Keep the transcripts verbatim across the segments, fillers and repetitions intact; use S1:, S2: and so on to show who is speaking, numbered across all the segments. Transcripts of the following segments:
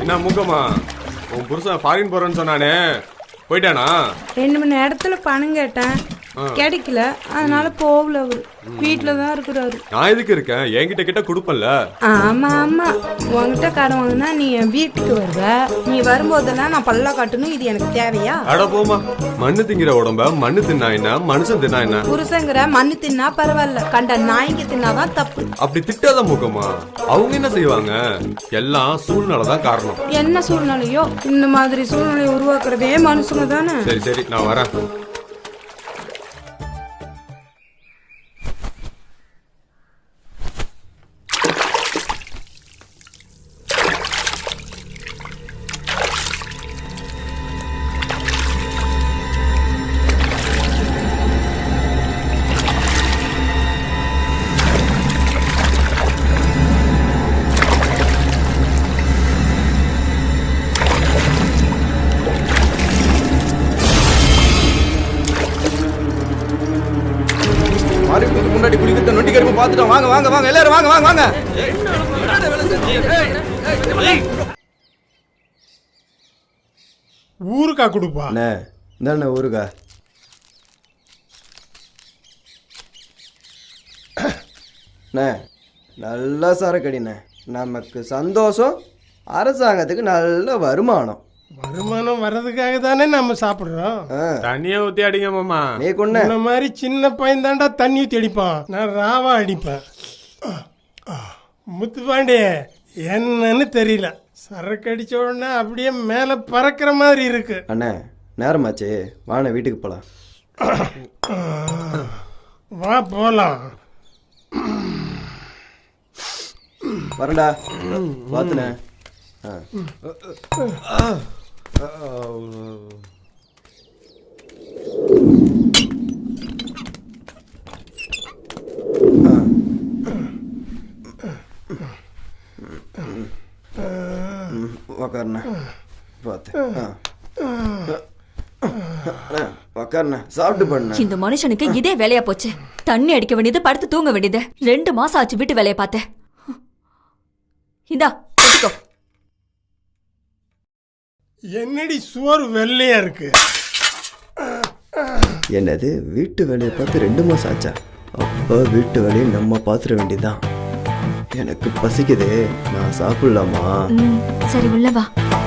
S1: என்ன மூக்கம்மா, உன் புருஷன் ஃபாரின் போறேன்னு சொன்னானே, போயிட்டானா?
S2: ரெண்டு மணி நேரத்துல பணம் கேட்டேன், கிடைக்கல. அதனால போகல. அவரு வீட்டுல தான் இருக்கிறாரு.
S1: நான் எதுக்கு இருக்கேன்? என்கிட்ட கிட்ட கொடுப்பல.
S2: ஆமா ஆமா, உன்கிட்ட கடன் வாங்கினா நீ என் வீட்டுக்கு வருவ. நீ வரும்போதெல்லாம் நான் பல்லா காட்டணும். இது எனக்கு தேவையா?
S1: அட போமா, மண்ணு திங்கிற உடம்ப மண்ணு தின்னா என்ன, மனுஷன் தின்னா என்ன?
S2: புருஷங்கிற மண்ணு தின்னா பரவாயில்ல, கண்ட நாய்க்கு தின்னாதான் தப்பு.
S1: அப்படி திட்டாத மூக்கம்மா. அவங்க என்ன செய்வாங்க? எல்லாம் சூழ்நிலைதான் காரணம்.
S2: என்ன சூழ்நிலையோ, இந்த மாதிரி சூழ்நிலையை உருவாக்குறதே மனுஷங்க தானே.
S1: சரி சரி, நான் வரேன்.
S3: முன்னாடி குடிக்கிற நொண்டி கரும்பு பார்த்துட்டோம். வாங்க வாங்க வாங்க எல்லாரும் வாங்க வாங்க வாங்க.
S4: ஊருக்கா கொடுப்பா.
S3: என்ன ஊருக்கா? நல்லா சரக்கடிண்ணே. நமக்கு சந்தோஷம், அரசாங்கத்துக்கு நல்ல வருமானம்.
S4: வருமானம் வர்றதுக்காக தானே நம்ம சாப்பிடுறோம்.
S1: தண்ணியை ஊத்தி அடிங்க மாமா.
S3: நீ கொண்ட
S4: இந்த மாதிரி சின்ன பையன் தாண்டா தண்ணி ஊத்தி அடிப்பான். நான் ராவா அடிப்பேன். முத்துப்பாண்டே, என்னன்னு தெரியல, சரக்கு அடிச்ச உடனே அப்படியே மேல பறக்கிற மாதிரி இருக்கு.
S3: அண்ணே நேரமாச்சு, வாண்ணே வீட்டுக்கு போலாம்.
S4: வா போலாம்.
S3: வரண்டா பாத்துனே. உக்காருண்ணா பார்த்து. உக்காருண்ணா சாப்பிட்டு பண்ண.
S5: இந்த மனுஷனுக்கு இதே வேலையா போச்சு. தண்ணி அடிக்க வேண்டியது, படுத்து தூங்க வேண்டியது. ரெண்டு மாசம் ஆச்சு வீட்டு வேலையை பார்த்தேன். இந்தா எடுத்துக்கோ.
S4: என்னடி சோறு வெள்ளையா இருக்கு?
S3: என்னது வீட்டு வேலையை பார்த்து ரெண்டு மாசம் ஆச்சா? அப்போ வீட்டு வேலையை நம்ம பார்த்துட வேண்டியதுதான். எனக்கு பசிக்குது, நான் சாப்பிடலாமா?
S5: சரி உள்ள வா.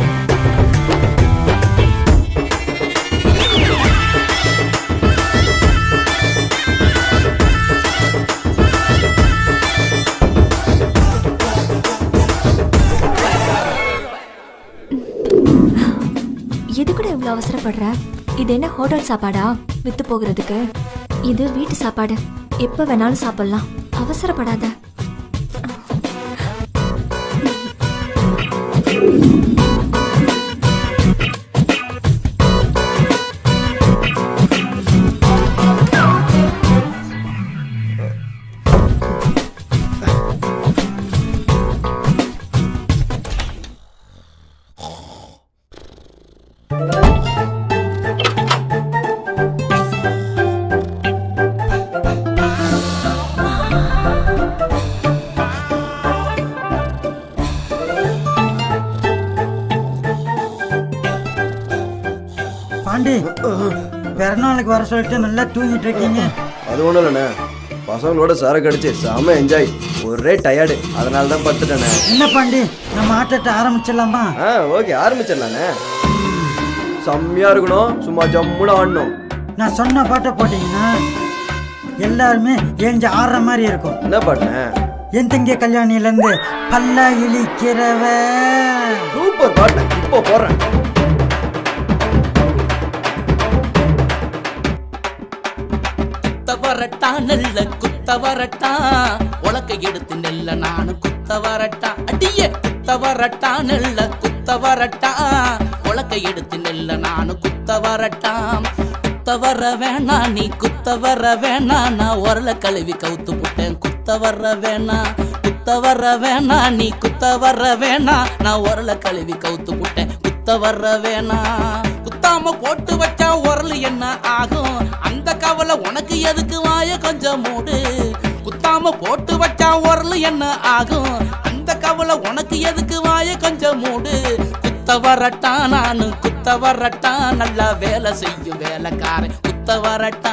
S5: இது கூட இவ்வளவு அவசரப்படுற? இது என்ன ஹோட்டல் சாப்பாடா வித்து போகிறதுக்கு? இது வீட்டு சாப்பாடு, எப்ப வேணாலும் சாப்பிடலாம். அவசரப்படாத.
S6: பாண்டி, பிறநாளுக்கு வர சொல்லிட்டு நல்லா தூங்கிட்டு இருக்கீங்க.
S3: அது ஒன்றும் இல்லைண்ணே, பசங்களோட சரக்கு அடிச்சு செம என்ஜாய், ஒரே டயர்டு, அதனால தான் படுத்துட்டேண்ணே.
S6: என்ன பாண்டி, நம்ம ஆட்டத்தை ஆரம்பிச்சிடலாமா?
S3: ஆ ஓகே, ஆரம்பிச்சிடலாண்ணே. செம்மையா இருக்கணும், சும்மா ஜம்முன்னு ஆடணும்.
S6: நான் சொன்ன பாட்டை போட்டீங்கன்னா எல்லாருமே ஏஞ்சி ஆடுற மாதிரி இருக்கும்.
S3: என்ன பாட்டுண்ணே?
S6: என் தங்கிய கல்யாணிலேருந்து பல்ல இழிக்கிறவ.
S3: சூப்பர் பாட்டு, இப்போ போடுறேன்.
S7: வரட்டா நல்ல குத்த வரட்டா, உலக்க எடுத்து நெல்ல நானு குத்த வரட்டா. அடிய குத்த வரட்டா நெல்ல குத்த வரட்டா, உலக்க எடுத்து நெல்ல நானு குத்த வரட்டா. குத்த வர வேணா நீ குத்த வர வேணா, நான் உரல கழுவி கவுத்து புட்டேன். குத்த வர வேணா குத்த வர வேணா நீ குத்த வர வேணா, நான் உரல கழுவி கவுத்து புட்டேன். குத்த வர வேணா. குத்தாம போட்டு வச்சா உரல் என்ன ஆகும், அந்த கவலை உனக்கு எதுக்கு, வாய கொஞ்சம் மூடு. குத்தாம போட்டு வச்சா உரல் என்ன ஆகும், அந்த இந்த கவலை உனக்கு எதுக்கு வாய கொஞ்சம் மூடு. குத்த வரட்டா நானு குத்த வரட்டா நல்லா வேலை செய்யும் வேலைக்காரன் குத்த வரட்டா.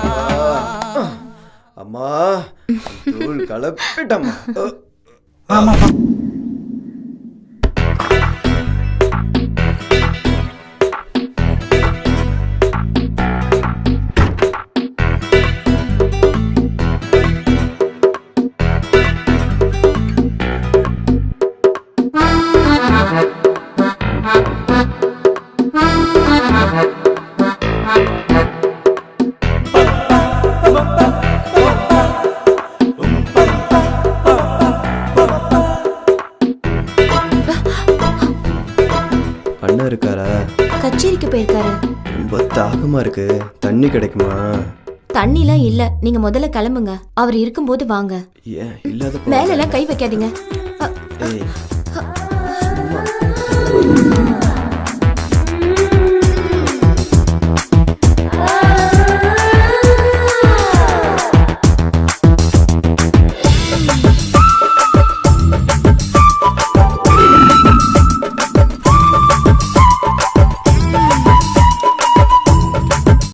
S3: அம்மா தூள் கலப்பிட்டம்மா.
S6: ஆமாப்பா.
S3: அண்ணன் இருக்காரா?
S5: கச்சேரிக்கு போயிருக்காரு.
S3: ரொம்ப தாகமா இருக்கு, தண்ணி கிடைக்குமா?
S5: தண்ணிலாம் இல்ல, நீங்க முதல்ல கிளம்புங்க. அவர் இருக்கும்போது வாங்க.
S3: ஏன் இல்லாத
S5: மேல எல்லாம் கை வைக்காதீங்க.
S3: ஏய் சும்மா